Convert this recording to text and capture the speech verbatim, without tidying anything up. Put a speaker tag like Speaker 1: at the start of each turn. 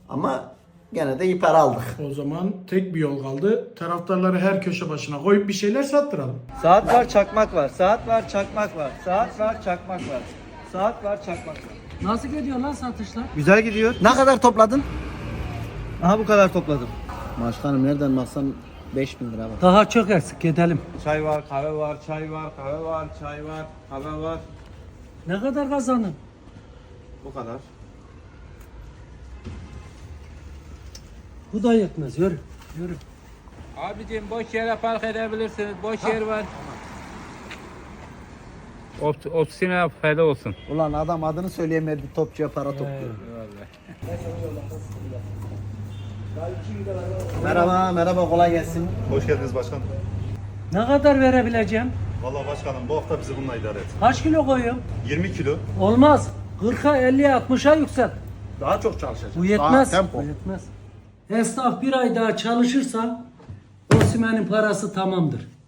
Speaker 1: Ama gene de iyi para aldık.
Speaker 2: O zaman tek bir yol kaldı. Taraftarları her köşe başına koyup bir şeyler sattıralım.
Speaker 3: Saat var, çakmak var. Saat var, çakmak var. Saat var, çakmak var. Saat var, çakmak var.
Speaker 4: Nasıl gidiyor lan satışlar?
Speaker 3: Güzel gidiyor.
Speaker 1: Ne kadar topladın?
Speaker 3: Aha bu kadar topladım.
Speaker 1: Başkanım nereden baksan beş bin lira var.
Speaker 4: Daha çok eksik gidelim.
Speaker 3: Çay var, kahve var, çay var, kahve var, çay var, kahve var.
Speaker 4: Ne kadar kazandın?
Speaker 3: Bu kadar.
Speaker 4: Bu da yetmez. Yürü. Yürü.
Speaker 5: Abicim boş yere park edebilirsiniz. Boş yer var. Ot, ofisine fayda olsun.
Speaker 1: Ulan adam adını söyleyemedi, topçuya para topluyor. Merhaba, merhaba, kolay gelsin.
Speaker 6: Hoş geldiniz başkanım.
Speaker 4: Ne kadar verebileceğim?
Speaker 6: Vallahi başkanım bu hafta bizi bununla idare et.
Speaker 4: Kaç kilo koyuyorum?
Speaker 6: yirmi kilo.
Speaker 4: Olmaz. kırka, elliye, altmışa yükselt.
Speaker 1: Daha çok çalışacağız.
Speaker 4: Bu yetmez.
Speaker 1: Daha tempo.
Speaker 4: Bu yetmez. Esnaf bir ay daha çalışırsa Osimhen'in parası tamamdır.